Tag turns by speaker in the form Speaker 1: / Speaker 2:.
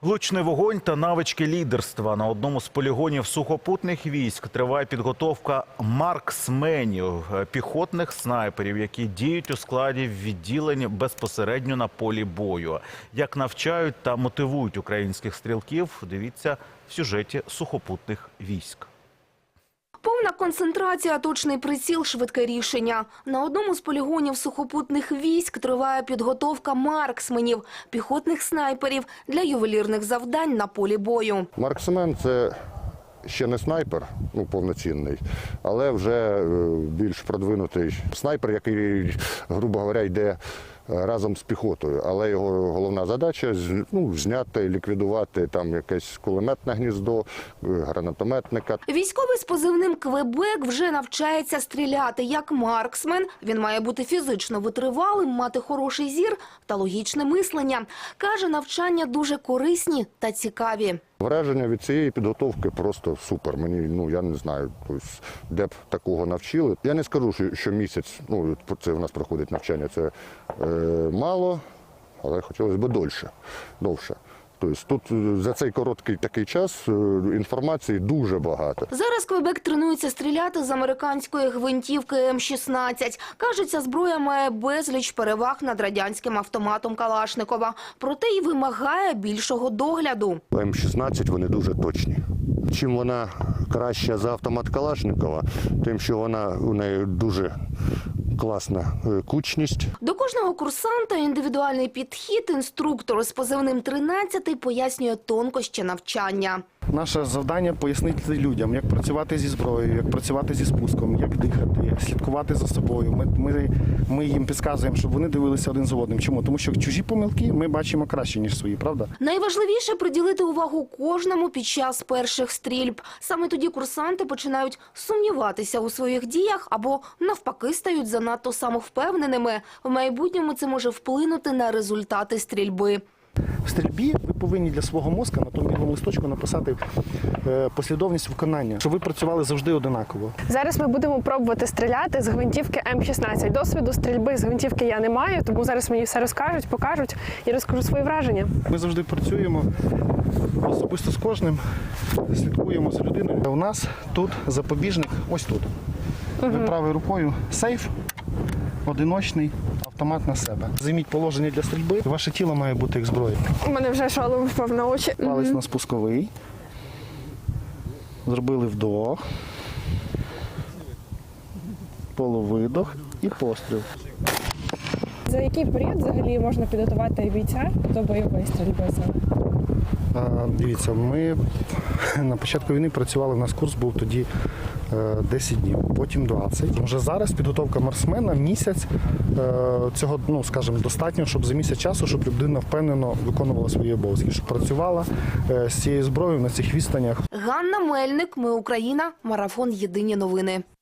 Speaker 1: Влучний вогонь та навички лідерства. На одному з полігонів сухопутних військ триває підготовка марксменів – піхотних снайперів, які діють у складі відділень безпосередньо на полі бою. Як навчають та мотивують українських стрілків – дивіться в сюжеті сухопутних військ.
Speaker 2: Повна концентрація, точний приціл, швидке рішення. На одному з полігонів сухопутних військ триває підготовка марксменів, піхотних снайперів для ювелірних завдань на полі бою.
Speaker 3: Марксмен – це ще не снайпер, повноцінний, але вже більш продвинутий снайпер, який, грубо говоря, йде разом з піхотою. Але його головна задача – зняти, ліквідувати там якесь кулеметне гніздо, гранатометника.
Speaker 2: Військовий з позивним «Квебек» вже навчається стріляти як марксмен. Він має бути фізично витривалим, мати хороший зір та логічне мислення. Каже, навчання дуже корисні та цікаві.
Speaker 3: Враження від цієї підготовки просто супер. Мені, я не знаю, де б такого навчили. Я не скажу, що місяць, це в нас проходить навчання, це мало, але хотілося б довше. Тобто тут за цей короткий такий час інформації дуже багато.
Speaker 2: Зараз «Квебек» тренується стріляти з американської гвинтівки М-16. Каже, ця зброя має безліч переваг над радянським автоматом Калашникова. Проте й вимагає більшого догляду.
Speaker 3: М-16 вони дуже точні. Чим вона краща за автомат Калашникова, тим, що у неї дуже класна кучність.
Speaker 2: До кожного курсанта індивідуальний підхід. Інструктор з позивним «13» пояснює тонкощі навчання.
Speaker 4: Наше завдання – пояснити людям, як працювати зі зброєю, як працювати зі спуском, як дихати, як слідкувати за собою. Ми їм підказуємо, щоб вони дивилися один за одним. Чому? Тому що чужі помилки ми бачимо краще, ніж свої, правда?
Speaker 2: Найважливіше – приділити увагу кожному під час перших стрільб. Саме тоді курсанти починають сумніватися у своїх діях або навпаки стають занадто самовпевненими. В майбутньому це може вплинути на результати стрільби.
Speaker 4: В стрільбі ви повинні для свого мозка на тому білому листочку написати послідовність виконання, щоб ви працювали завжди одинаково.
Speaker 5: Зараз ми будемо пробувати стріляти з гвинтівки М-16. Досвіду стрільби з гвинтівки я не маю, тому зараз мені все розкажуть, покажуть і розкажу свої враження.
Speaker 4: Ми завжди працюємо особисто з кожним, слідкуємо за людиною. У нас тут запобіжник ось тут. Ви правою рукою сейф, одиночний, автомат на себе. Займіть положення для стрільби, ваше тіло має бути як зброя.
Speaker 5: У мене вже шолом впав на очі.
Speaker 4: Палець на спусковий. Зробили вдох, полувидох і постріл.
Speaker 5: За який період взагалі можна підготувати бійця до бойової стрільби?
Speaker 4: Дивіться, ми на початку війни працювали, у нас курс був тоді 10 днів, потім 20. Вже зараз підготовка марксмена місяць, цього, скажімо, достатньо, щоб за місяць часу, щоб людина впевнено виконувала свої обов'язки, щоб працювала з цією зброєю на цих відстанях.
Speaker 2: Ганна Мельник, Ми Україна, марафон «Єдині новини».